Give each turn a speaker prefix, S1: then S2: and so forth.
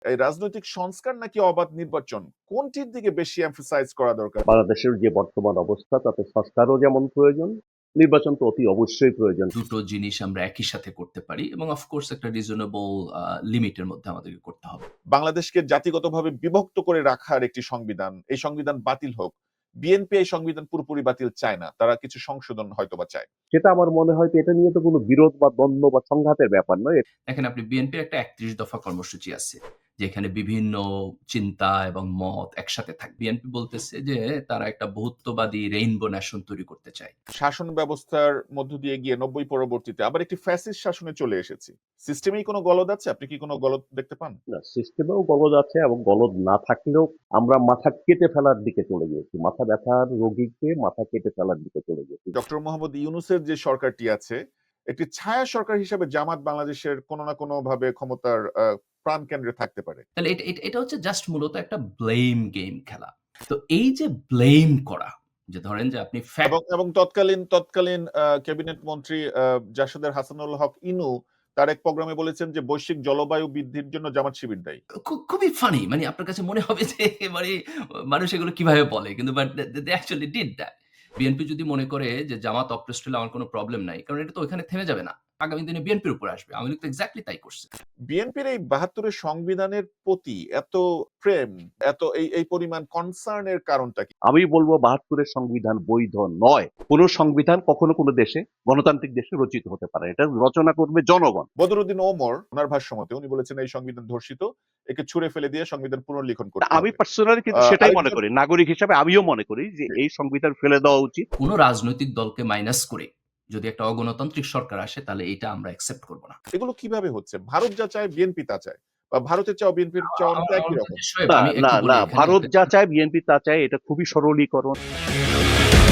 S1: এই রাজনৈতিক সংস্কার নাকি অবাধ নির্বাচন, কোনটির দিকে বেশি এমফাসাইজ করা দরকার?
S2: বাংলাদেশের যে বর্তমান অবস্থা তাতে সংস্কারও যেমন প্রয়োজন, নির্বাচন তো অতি অবশ্যই প্রয়োজন।
S3: দুটো জিনিস আমরা একই সাথে করতে পারি এবং অফকোর্স একটা রিজনেবল লিমিটের মধ্যে আমাদেরকে করতে হবে।
S1: বাংলাদেশকে জাতিগতভাবে বিভক্ত করে রাখার একটি সংবিধান, এই সংবিধান বাতিল হোক। বিএনপি এই সংবিধান পুরোপুরি বাতিল চায় না, তারা কিছু সংশোধন হয়তোবা চায়।
S2: সেটা আমার মনে হয় যে এটা নিয়ে তো কোনো বিরোধ বা দ্বন্দ্ব বা সংঘাতের ব্যাপার নয়।
S3: দেখেন, আপনি বিএনপির একটা ৩১ দফা কর্মসূচি আছে, যেখানে বিভিন্ন চিন্তা এবং মত একসাথে থাকে। বিএনপি বলতেছে যে তারা একটা বহুত্ববাদী রেইনবো নেশন তৈরি করতে চায়।
S1: শাসন ব্যবস্থার মধ্য দিয়ে গিয়ে ৯০ পরবর্তীতে আবার একটি ফ্যাসিস্ট শাসনে চলে এসেছি। সিস্টেমেই কোনো গলদ আছে? আপনি কি কোনো গলদ দেখতে পান?
S2: না, সিস্টেমেও গলদ আছে এবং গলদ না থাকলেও আমরা মাথা কেটে ফেলার দিকে চলে গিয়েছি। মাথা ব্যথার রোগীকে মাথা কেটে ফেলার দিকে চলে গিয়েছি।
S1: ডক্টর মোহাম্মদ ইউনূসের যে সরকারটি আছে, একটি ছায়া সরকার হিসেবে জামাত বাংলাদেশের কোনো না কোনো ভাবে ক্ষমতার প্রাণকেন্দ্রে থাকতে পারে।
S3: তাহলে এটা হচ্ছে জাস্ট মূলত একটা ব্লেম গেম খেলা। তো এই যে ব্লেম করা, যে ধরেন যে আপনি
S1: এবং তৎকালীন ক্যাবিনেট মন্ত্রী জাসদের হাসানুল হক ইনু তার এক প্রোগ্রামে বলেছেন যে বৈশ্বিক জলবায়ু বৃদ্ধির জন্য জামাত শিবির দায়ী।
S3: খুবই ফানি, মানে আপনার কাছে মনে হবে যে মানে মানুষ এগুলো কিভাবে বলে, কিন্তু but they actually did that. BNP যদি মনে করে যে জামাত অপ্রেসড হলে আমার কোনো প্রবলেম নাই, কারণ এটা তো ওইখানে থেমে যাবে না, আগামী দিনে বিএনপির উপর আসবে। আওয়ামী লীগ তো এক্স্যাক্টলি তাই করছে।
S1: বিএনপির এই ৭২ সংবিধানের প্রতি এত প্রেম, এত এই পরিমাণ কনসার্ন এর কারণটা কি?
S2: আমি বলবো ৭২-এর সংবিধান বৈধ নয়। কোনো সংবিধান কখনো কোনো দেশে, গণতান্ত্রিক দেশে রচিত হতে পারে না। এটা রচনা করবে জনগণ।
S1: বদরুদ্দিন ওমর ওনার ভাষ্যমতে উনি বলেছেন এই সংবিধান ধর্ষিত, একে ছুঁড়ে ফেলে দিয়ে সংবিধান পুনর্লিখন করতে
S2: আমি
S1: হবে।
S2: পার্সোনালি কিন্তু সেটাই মনে
S1: আরেকজন
S2: করি। নাগরিক হিসাবে আমিও মনে করি যে এই সংবিধান ফেলে দেওয়া উচিত।
S3: কোনো রাজনৈতিক দলকে মাইনাস করে যদি একটা অগণতান্ত্রিক সরকার আসে, তাহলে এটা আমরা অ্যাকসেপ্ট করব না।
S1: এগুলো কিভাবে হচ্ছে? ভারত যা চায় বিএনপি তা চায়, বা ভারতের চাও বিএনপির চাওয়া
S3: আমার
S1: তো একই
S3: আমার
S1: রকম।
S3: মতে শোয়েব,
S2: না,
S3: আমি
S2: না,
S3: একটু বলি
S2: না।
S3: এখানে।
S2: ভারত যা চায় বিএনপি তা চায়, এটা খুবই সরলীকরণ।